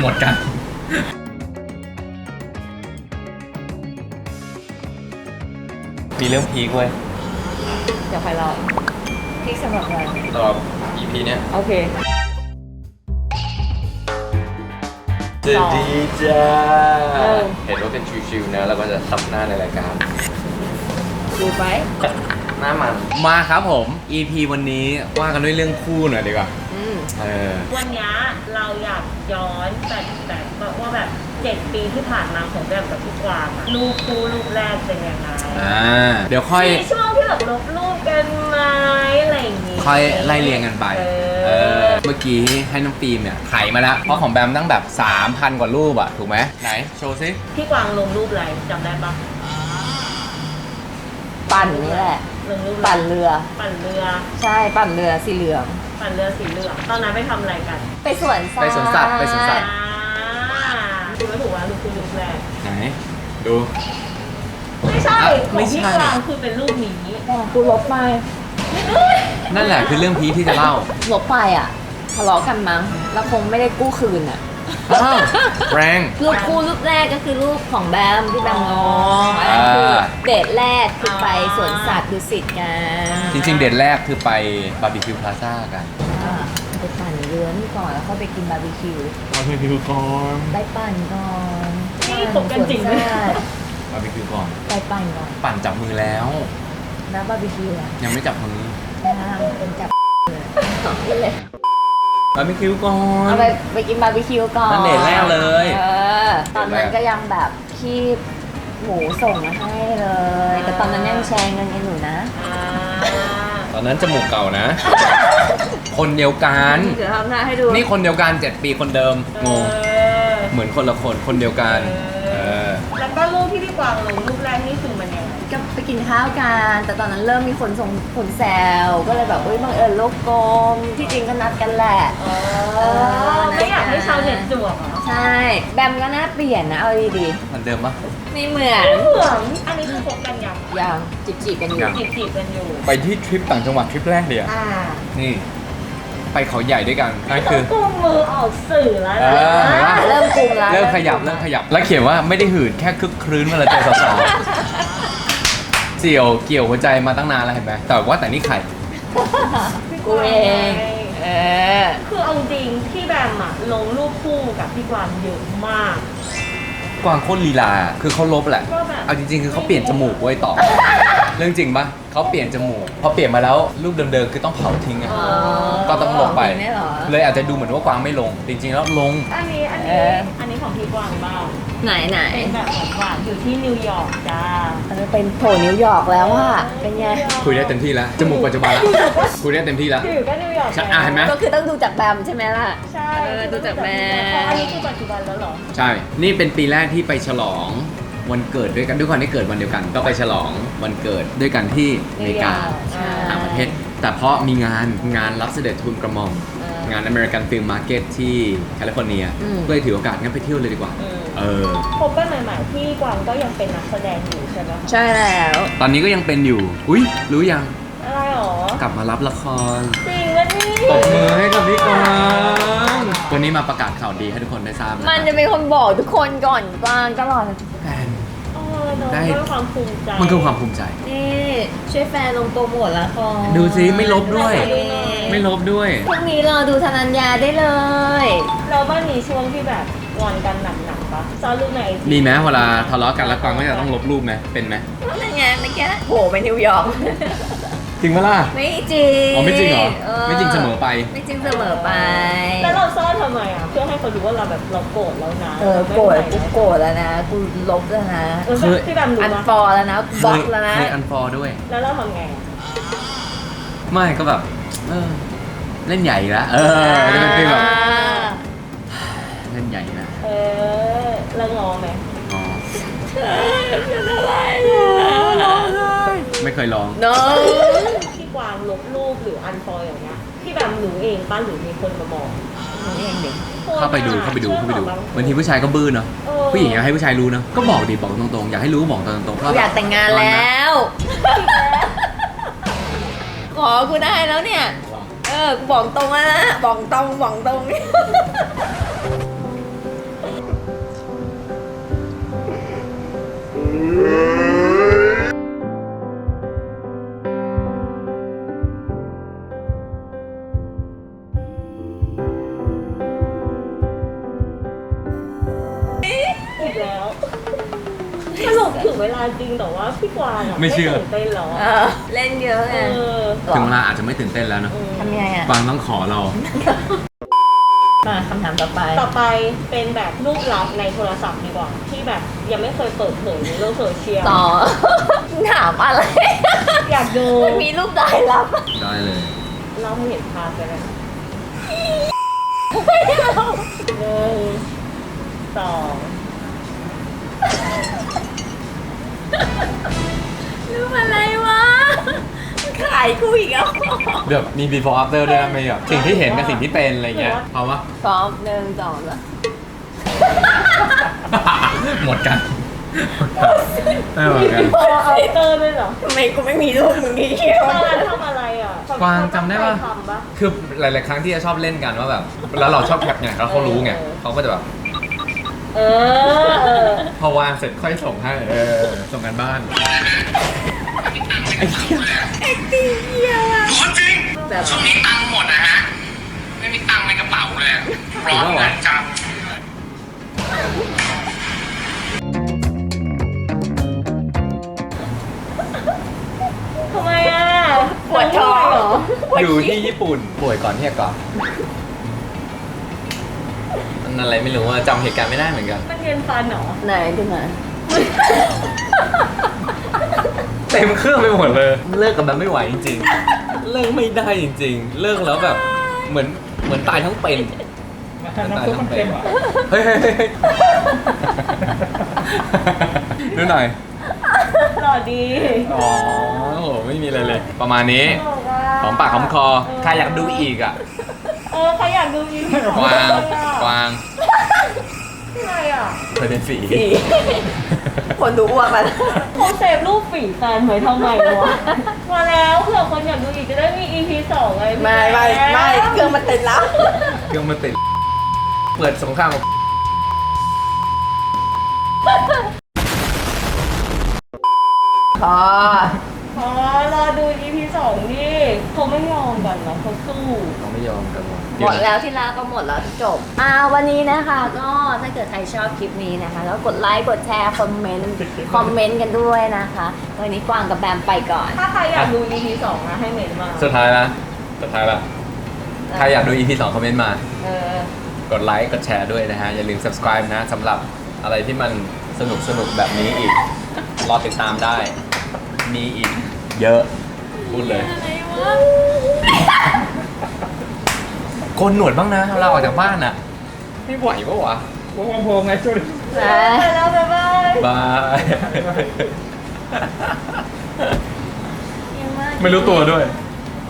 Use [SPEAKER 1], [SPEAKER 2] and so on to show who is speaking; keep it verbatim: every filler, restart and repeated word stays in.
[SPEAKER 1] มดกันมีเรื่องพีคเว้ย
[SPEAKER 2] เดี๋ยวใครเล่าพีคสำหรับเรา
[SPEAKER 1] สำหรับ อี พี เนี้ย
[SPEAKER 2] โอเค
[SPEAKER 1] จะดีจ้าเห็นว่าเป็นชิวๆนะแล้วก็จะซับหน้าในรายการ
[SPEAKER 2] ดูไป
[SPEAKER 1] หน้ามันมาครับผม อี พี วันนี้ว่ากันด้วยเรื่องคู่หน่อยดีกว่าเออ
[SPEAKER 3] วันนี้เราอยากย้อนแต่แต่แบบว่าแบบเจ็ดปีที่ผ่านมาของแบบกับพี่กวางอะรูปคู่รูปแรกเป็นยังไง
[SPEAKER 1] อ่าเดี๋ยวค่อย
[SPEAKER 3] มีช่วงที่แบบลบรูปกันไหมอะไรอย่างงี้
[SPEAKER 1] ค่อยไล่เรียงกันไป
[SPEAKER 3] เอ
[SPEAKER 1] เอ
[SPEAKER 3] อ
[SPEAKER 1] อ เมื่อกี้ให้น้องฟิล์มเนี่ยไถมาแล้ว เพราะของแบมตั้งแบบ สามพัน กว่ารูปอะถูกไหม ไหน โชว์ซิ
[SPEAKER 3] พี่กวางลงรูปอะไรจำได้ปะ
[SPEAKER 2] ปั่นนี่แหละ
[SPEAKER 3] ลงรูปะไ
[SPEAKER 2] ปั่นเรือ
[SPEAKER 3] ปั่นเรือ
[SPEAKER 2] ใช่ปั่นเรือสีเหลือง
[SPEAKER 3] ปั่นเรือสีเหลืองตอนนั้นไปทำอะไรกัน
[SPEAKER 2] ไปสวนสัตว์
[SPEAKER 1] ไปสวนสัตว์ไปสวนสัตว์
[SPEAKER 3] อ่าดูไม่ถูกว่ารูปคู่รูปแรก
[SPEAKER 1] ไหน ดู
[SPEAKER 3] ไม่ใช่
[SPEAKER 1] อ่ะ
[SPEAKER 3] ข
[SPEAKER 1] ไม่
[SPEAKER 3] อง
[SPEAKER 1] ใช่
[SPEAKER 3] พี่กวางคือเป็นรูปนี้
[SPEAKER 2] กูลบไป
[SPEAKER 1] นั่นแหละคือเรื่องพีคที่จะเล่า
[SPEAKER 2] ลบไปอ่ะทะเลาะกันมั้งแล้วคงไม่ได้กู้คืนอ่ะ
[SPEAKER 1] อ้าวแรง
[SPEAKER 2] รูปคู่รูปแรกก็คือรูปของแบมที่แบมงง
[SPEAKER 1] อ่า
[SPEAKER 2] คือเดทแรกคือไปสวนสัตว์ดุสิตกัน
[SPEAKER 1] จริงๆ เดทแรกคือไปบาร์บีคิวพลาซ่ากัน
[SPEAKER 2] อ่าไปปั่นเรือนี่ก่อนแล้วก็ไปกินบาร์บีคิว
[SPEAKER 1] บาร์บีคิวก่อน
[SPEAKER 2] ไปปั่นก่อน
[SPEAKER 3] นี่คบกันจริงไหม
[SPEAKER 2] สวนสัตว์
[SPEAKER 1] บาร์บีคิวก่อน
[SPEAKER 2] ไปปั่นก่อน
[SPEAKER 1] ปั่นจับมือแล้ว
[SPEAKER 2] แล้วบาร์บีคิวอ่ะ
[SPEAKER 1] ยังไม่จับมือ
[SPEAKER 2] ย่างเป็นจับเลยสองที่เลย
[SPEAKER 1] บาร์บีคิวก่อน
[SPEAKER 2] เอาไปไปกินบาร์บีคิวก่อน
[SPEAKER 1] นั่นเดทแรกเลย
[SPEAKER 2] เออตอนนั้นก็ยังแบบคีบหมูส่งมาให้เลย แต่ตอนนั้นยังแชร์เงินกันอยู่นะ
[SPEAKER 3] อ่า
[SPEAKER 1] ตอนนั้นจมูกเก่านะ คนเดียวกัน
[SPEAKER 2] เดี๋ยวทำหน้าให้ดู
[SPEAKER 1] นี่คนเดียวกันเจ็ดปีคนเดิม งง
[SPEAKER 3] เออ
[SPEAKER 1] เหมือนคนละคน คนเดียวกัน เออ
[SPEAKER 3] แล้วก็รูปที่พี่กวางลงรูปแรกนี่คือมันยังไง
[SPEAKER 2] ก็ไปกินข้าวกัน แต่ตอนนั้นเริ่มมีคนส่งคนแซว ก็เลยแบบเอ้ยบังเอิญโลกกลม ที่จริงก็นัดกันแหละ
[SPEAKER 3] อ๋อไม่อยากให้ชาวเน็ตจวกเหรอ
[SPEAKER 2] ใช่ แบมก็น่าเปลี่ยนนะ เอาดี
[SPEAKER 1] เหมือนเดิมปะ
[SPEAKER 2] ๆไม่เหมือน
[SPEAKER 3] เหมือนอันนี้คือคบกันยัง
[SPEAKER 2] ยังจีบจีบๆกันอยู่
[SPEAKER 1] ยัง
[SPEAKER 3] จีบจีบกันอยู่
[SPEAKER 1] ไปที่ทริปต่างจังหวัดทริปแรกเลยอะ
[SPEAKER 3] อ่า
[SPEAKER 1] นี่ ไปเขาใหญ่ด้วยกันนั่นคือ
[SPEAKER 3] กุมมือออกสื่อแล้ว
[SPEAKER 1] เอ
[SPEAKER 3] นะ
[SPEAKER 1] อเห็นปะ
[SPEAKER 2] เริ่มกลุ่มแล้ว
[SPEAKER 1] เริ่มขยับเริ่มขยับ แล้วเขียนว่าไม่ได้หืดแค่คึกครื้นเวลาเจอสาวๆเสี่ยวเกี่ยวหัวใจมาตั้งนานแล้วเห็นไหมแต่ว่าแต่นี่ไข่
[SPEAKER 2] กูเอง เออ
[SPEAKER 3] คือเอาจริงพี่แบมอะลงรูปคู่กับพี่กวางเยอะมาก
[SPEAKER 1] กวางโคตรลีลา คือเขาลบแหละ
[SPEAKER 3] ก็แบบ
[SPEAKER 1] เอาจริงๆ คือเขาเปลี่ยนจมูกไว้ต่อ เรื่องจริงปะเขาเปลี่ยนจมูก พอเปลี่ยนมาแล้วรูปเดิมๆ คือต้องเผาทิ้งอะ
[SPEAKER 2] อ๋อ
[SPEAKER 1] ก็ต้องลงไป
[SPEAKER 2] ไม่เหรอ
[SPEAKER 1] เลยอาจจะดูเหมือนว่ากวางไม่ลง จริงๆ แล้วลง
[SPEAKER 3] อันนี้อัน
[SPEAKER 2] เอ
[SPEAKER 3] นี้
[SPEAKER 2] อ
[SPEAKER 3] อันนี้ของพี่กวางบ้าง
[SPEAKER 2] ไหนไหน
[SPEAKER 3] เป็นแบบหวานๆอยู่ที่นิวยอร์กจ้า
[SPEAKER 2] เออเป็นโผล่นิวยอร์กแล้วอะเป็นไง
[SPEAKER 1] คุยได้เต็มที่แล้ว จมูกปัจจุบันละคุยได้เต็มที่แล้ว
[SPEAKER 3] อยู่ก็นิวยอร์ก
[SPEAKER 1] ใช่อ่ะเห็นไหม
[SPEAKER 2] ก็คือต้องดูจากแบมใช่ไหมล่ะ
[SPEAKER 3] ใช่
[SPEAKER 2] เออดูจากแบม
[SPEAKER 3] อ๋ออันนี้คือปัจจุบันแล้วเหรอ
[SPEAKER 1] ใช่ นี่เป็นปีแรกที่ไปฉลองวันเกิดด้วยกันด้วยความที่เกิดวันเดียวกัน ก็ไปฉลองวันเกิดด้วยกันที่อเมริกา
[SPEAKER 2] ใช่
[SPEAKER 1] ต่างประเทศ แต่เพราะมีงานงานรับเสด็จทูลกระหม่อม
[SPEAKER 2] เออง
[SPEAKER 1] าน American Film Market ที่แคลิฟอร์เนีย
[SPEAKER 2] อืม
[SPEAKER 1] ก็เลยถือโอกาสงั้นไปเที่ยวเลยดีกว่า
[SPEAKER 3] อืม
[SPEAKER 1] เออ
[SPEAKER 3] พบกันใหม่ๆพี่กวางก็ยังเป็นนักแสดงอยู่ใช่ไหมคะ
[SPEAKER 2] ใช่แล้ว
[SPEAKER 1] ตอนนี้ก็ยังเป็นอยู่ อุ้ยรู้ยัง
[SPEAKER 3] อะไรหรอก
[SPEAKER 1] ลับมารับละคร
[SPEAKER 3] จริงวะนี่
[SPEAKER 1] ตบมือให้กับพี่กวางวันนี้มาประกาศข่าวดีให้ทุกคนได้ทราบนะ
[SPEAKER 2] มันจะเป็นคนบอกทุกคนก่อนกวางตลอด
[SPEAKER 1] แฟน
[SPEAKER 3] เออเนอะ
[SPEAKER 1] ได้
[SPEAKER 3] มันเป็นความภูมิใจ
[SPEAKER 1] มันคือความภูมิใจ
[SPEAKER 2] นี่ช่วยแฟนลงโปรโมทละคร
[SPEAKER 1] ดูสิไม่ลบด้วย
[SPEAKER 2] นี่
[SPEAKER 1] ไม่ลบด้วย
[SPEAKER 2] พรุ่งนี้รอดูธนัญญาได้เลย
[SPEAKER 3] เราบ้านมีช่วงที่แบบงอนกันหนักๆปะซ้อนรูปในไอจี
[SPEAKER 1] มีไหมเวลาทะเลาะกันแล้วกวางก็จะต้องลบรูปไหมเป็นไหม
[SPEAKER 2] นั่นไงเมื่อกี้โผล่ไปนิวยอร์ก
[SPEAKER 1] จริงปะล่ะ
[SPEAKER 2] ไม่จริง
[SPEAKER 1] อ๋อไม่จริงเหรอ ไม่จริงเสมอไป
[SPEAKER 2] ไม่จริงเสมอไป
[SPEAKER 3] แล้วเราซ่อนทำไมอ่ะเพื่อให้เขารู้ว่าเราแบบเราโกรธแล้วนะ
[SPEAKER 2] เออโกรธกูโกรธแล้วนะ กูลบแล้วนะ
[SPEAKER 3] เออ
[SPEAKER 1] คือ
[SPEAKER 3] พี่แบบรู้
[SPEAKER 2] อัน
[SPEAKER 3] ปะ
[SPEAKER 2] ฟอร์แล้วนะ
[SPEAKER 1] เค
[SPEAKER 2] บล็อก
[SPEAKER 1] ย
[SPEAKER 2] แล้วนะ
[SPEAKER 1] เคยอันฟอร์ด้วย
[SPEAKER 3] แล้วเราทำไงอะ
[SPEAKER 1] ไม่ก็แบบ เออ เล่นใหญ่ละเออจะเป็นฟีลแบบเล่นใหญ่นะ
[SPEAKER 3] เออแล้วงอไหม
[SPEAKER 1] อ๋อ
[SPEAKER 2] เป็นอะไรอะ
[SPEAKER 1] ไม่เคยลอง
[SPEAKER 2] น้อง
[SPEAKER 3] พี่กวางลบรูปหรืออันฟอยอย่างเงี้ยพี่แบบรู้เองป้าหรือมีคนมาบอก
[SPEAKER 2] เองเด็ก
[SPEAKER 1] เข้าไปดูเข้าไปดูเข้าไปดูบางทีผู้ชายก็บื้อเนาะ
[SPEAKER 3] เออ
[SPEAKER 1] ผู้หญิงอยากให้ผู้ชายรู้เนาะก็บอกดิบอกตรงๆอยากให้รู้ก็บอกตรงๆ
[SPEAKER 2] กูอยากแต่งงานแล้ว ขอกูได้แล้วเนี่ย เออ กูบอกตรงแล้วนะ บอกตรงบอกตรง
[SPEAKER 3] อีกแล้วสรุปถึงเวลาจริงแต่ว่าพี่กวางอะ
[SPEAKER 1] ไม่เชื่อ
[SPEAKER 3] ตื่นเต้นหรอ
[SPEAKER 2] เออเล่นเยอะไง
[SPEAKER 3] เออ
[SPEAKER 1] ถึงเวลาอาจจะไม่ตื่นเต้นแล้วเนอะ
[SPEAKER 2] ทำยังไงอ่ะ
[SPEAKER 1] กวางต้องขอเรา
[SPEAKER 2] มาคำถามต่อไป
[SPEAKER 3] ต่อไปเป็นแบบรูปลับในโทรศัพท์ดีกว่า ที่แบบยังไม่เคยเปิดเผยในโลกโซเชียล
[SPEAKER 2] ต่อ ถามอะไร
[SPEAKER 3] อยากดู
[SPEAKER 2] มีรูปได้รับ
[SPEAKER 1] ได้เลย
[SPEAKER 3] เล่าให้เห็นภาพกันนะ
[SPEAKER 2] ไม่เอา
[SPEAKER 3] หนึ่งสอง
[SPEAKER 2] รูปอะไรวะขายกูอีกแล้ว
[SPEAKER 1] เดี๋ยวมี before after ด้วยนะไม่แบบสิ่งที่เห็นกับสิ่งที่เป็นอะไรเงี้ยเอาวะ
[SPEAKER 2] พร้อมหนึ่งสองแล้ว
[SPEAKER 1] หมดกันไม่หมดกัน
[SPEAKER 3] พอเอาเตอร์ด้วยเหรอ
[SPEAKER 2] ทำไมกูไม่มีรูปมึงนี่เชียว
[SPEAKER 3] ตอนนั้นทำอะไรอ่ะ
[SPEAKER 1] กวางจำได้ปะ
[SPEAKER 3] ทำปะ
[SPEAKER 1] คือหลาย ๆ ครั้งที่จะชอบเล่นกันว่าแบบ แล้วเราชอบแคปไงแล้วเขารู้ไง
[SPEAKER 3] เออ
[SPEAKER 1] เขาก็จะแบบ
[SPEAKER 3] เออเออ
[SPEAKER 1] พอวางเสร็จค่อยส่งให้เออส่งกันบ้านไอ้เหี้ย
[SPEAKER 4] คนจริง
[SPEAKER 2] แบบ
[SPEAKER 4] ช่วงนี้ตังค์หมดนะฮะ ไม่มีตังค์ในกระเป๋าเลยอะร้อนนะจัง
[SPEAKER 3] ทำไมอ่ะ
[SPEAKER 2] ปวดท้อง
[SPEAKER 3] เหรอ
[SPEAKER 1] อยู่ที่ญี่ปุ่นป่วยก่อนที่จะกลับมันอะไรไม่รู้ว่าจำเหตุการณ์ไม่ได้เหมือนกัน
[SPEAKER 3] มันเรียนฟันเหรอ
[SPEAKER 2] ไหนดูหน่อย
[SPEAKER 1] เต็มเครื่องไปหมดเลย เลิกกับมันไม่ไหวจริงๆ เลิกไม่ได้จริงๆ เลิกแล้วแบบเหมือนเหมือนตายทั้งเป็นตายทั้งเป็นเฮ้ยเฮ้ยเฮ้ยดูหน่อย
[SPEAKER 3] หล่อดี
[SPEAKER 1] อ๋อโอ้โหไม่มีอะไรเลย ประมาณนี้หอมปากหอมคอใครอยากดูอีกอ่ะ
[SPEAKER 3] เออใครอยากดูอีก
[SPEAKER 1] กวางกวาง
[SPEAKER 3] อะไรอ่ะ
[SPEAKER 1] เคยเป็นฝี
[SPEAKER 2] สี่ คนดูอ้วกแล้ว
[SPEAKER 3] เขาเซฟรูปฝีแฟนไว้ทำไมวะมาแล้วเผื่อคนอยากดูอีกจะได้มี อี พี สองไงพี่
[SPEAKER 2] ไม่ไม่ไม่เครื่องมันติดแล้ว
[SPEAKER 1] เครื่องมันติดเปิดสงครามกับ
[SPEAKER 2] พอ
[SPEAKER 3] อ๋อรอดู อี พี สองดิเขาไม่ยอมกันนะเขาสู้
[SPEAKER 1] เขาไม่ยอมกันหรอก
[SPEAKER 2] หมดแล้วที่ลาก็หมดแล้วจบ อ่าวันนี้นะคะก็ถ้าเกิดใครชอบคลิปนี้นะคะก็กดไลค์กดแชร์คอมเมนต์คอมเมนต์กันด้วยนะคะวันนี้กวางกับแบมไปก่อน
[SPEAKER 3] ถ้าใครอยากดู อี พี สองนะให้เมนต์มา
[SPEAKER 1] สุดท้ายละสุดท้ายละใครอยากดู อี พี สองคอมเมนต์มา
[SPEAKER 3] เออ
[SPEAKER 1] กดไลค์ กดแชร์ด้วยนะฮะ อย่าลืม subscribe นะสำหรับอะไรที่มันสนุกสนุกแบบนี้อีก รอติดตามได้ มีอีก เยอะ พูดเลยโกนหนวดบ้างนะ เราออกจากบ้านอ่ะ ไม่ไหวปะวะ
[SPEAKER 2] ไป
[SPEAKER 3] ไปแล้วบ๊ายบาย
[SPEAKER 1] บาย ไม่รู้ตัวด้วย
[SPEAKER 3] เ